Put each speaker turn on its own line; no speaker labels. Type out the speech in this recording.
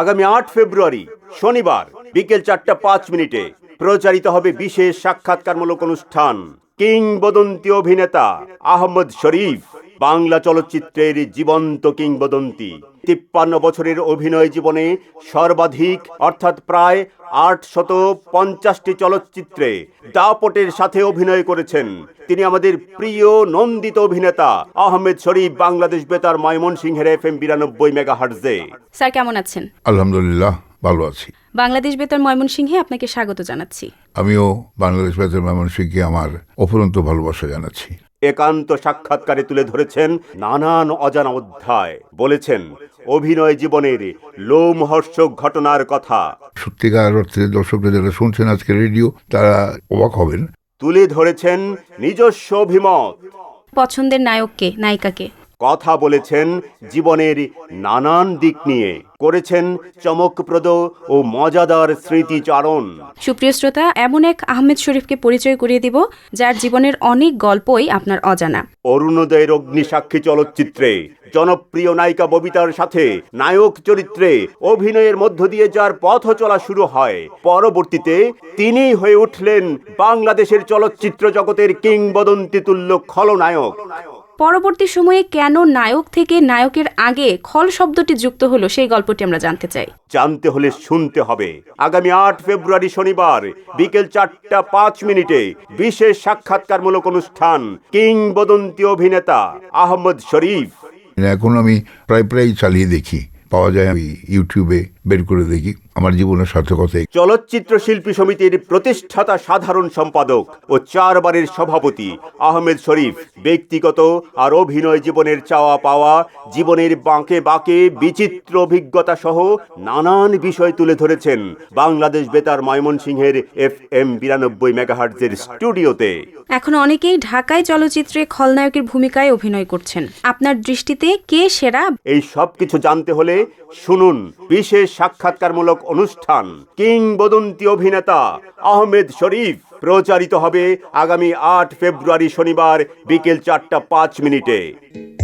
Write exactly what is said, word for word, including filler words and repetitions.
আগামী আট ফেব্রুয়ারি শনিবার বিকেল চারটা পাঁচ মিনিটে প্রচারিত হবে বিশেষ সাক্ষাৎকারমূলক অনুষ্ঠান কিংবদন্তি অভিনেতা আহমদ শরীফ, বাংলা চলচ্চিত্রের জীবন্ত কিংবদন্তি। তিপ্পান্ন বছরের অভিনয় জীবনে সর্বাধিক অর্থাৎ প্রায় আটশত পঞ্চাশটি চলচ্চিত্রে দাপটের সাথে অভিনয় করেছেন তিনি। আমাদের প্রিয় নন্দিত অভিনেতা আহমেদ শরীফ, বাংলাদেশ বেতার ময়মনসিংহের এফ এম বিরানব্বই মেগাহার্টজে।
স্যার কেমন আছেন?
আলহামদুলিল্লাহ, ভালো আছি।
বাংলাদেশ বেতার ময়মনসিংহে আপনাকে স্বাগত জানাচ্ছি।
আমিও বাংলাদেশ বেতার ময়মনসিংহকে আমার অফুরন্ত ভালোবাসা জানাচ্ছি।
একান্ত সাক্ষাৎকারে তুলে ধরেছেন নানান অজানা অধ্যায়, বলেছেন অভিনয় জীবনের লোমহর্ষক ঘটনার কথা।
সত্যিকার অর্থে দর্শকরা যারা শুনছেন আজকে রেডিও, তারা অবাক হবেন।
তুলে ধরেছেন নিজস্ব অভিমত,
পছন্দের নায়ককে, নায়িকাকে।
কথা বলেছেন জীবনের নানান দিক নিয়ে, করেছেন চমকপ্রদ ও মজাদার স্মৃতিচারণ।
সুপ্রিয় শ্রোতা, এমন এক আহমেদ শরীফকে পরিচয় করিয়ে দিব যার জীবনের অনেক গল্পই আপনার অজানা।
অরুণোদয়ের অগ্নিসাক্ষী চলচ্চিত্রে জনপ্রিয় নায়িকা ববিতার সাথে নায়ক চরিত্রে অভিনয়ের মধ্য দিয়ে যার পথ চলা শুরু হয়, পরবর্তীতে তিনিই হয়ে উঠলেন বাংলাদেশের চলচ্চিত্র জগতের কিংবদন্তি তুল্য খলনায়ক।
পরবর্তী সময়ে কেন নায়ক থেকে নায়কের আগে খল শব্দটি যুক্ত হলো, সেই গল্পটি আমরা জানতে চাই।
জানতে হলে শুনতে হবে আগামী আট ফেব্রুয়ারি শনিবার বিকেল চারটা পাঁচ মিনিটে বিশেষ সাক্ষাৎকারমূলক অনুষ্ঠান কিংবদন্তি অভিনেতা আহমদ শরীফ।
এখন আমি প্রায় প্রায় চালিয়ে দেখি, পাওয়া যায়, আমি ইউটিউবে বের করে দেখি। আমার জীবনের সার্থকতা।
চলচ্চিত্র শিল্পী সমিতির প্রতিষ্ঠাতা সাধারণ সম্পাদক ও চারবারের সভাপতি আহমেদ শরীফ ব্যক্তিগত আর অভিনয় জীবনের চাওয়া পাওয়া, জীবনের বাঁকে বাঁকে বিচিত্র অভিজ্ঞতা সহ নানান বিষয় তুলে ধরেছেন বাংলাদেশ বেতার ময়মনসিংহের এফ এম বিরানব্বই মেগাহার্টজের স্টুডিওতে।
এখন অনেকেই ঢাকায় চলচ্চিত্রে খলনায়কের ভূমিকায় অভিনয় করছেন। আপনার দৃষ্টিতে কে সেরা?
এই সব কিছু জানতে হলে শুনুন বিশেষ সাক্ষাৎকারমূলক অনুষ্ঠান কিংবদন্তি অভিনেতা আহমেদ শরীফ। প্রচারিত হবে আগামী আট ফেব্রুয়ারি শনিবার বিকেল চারটা পাঁচ মিনিটে।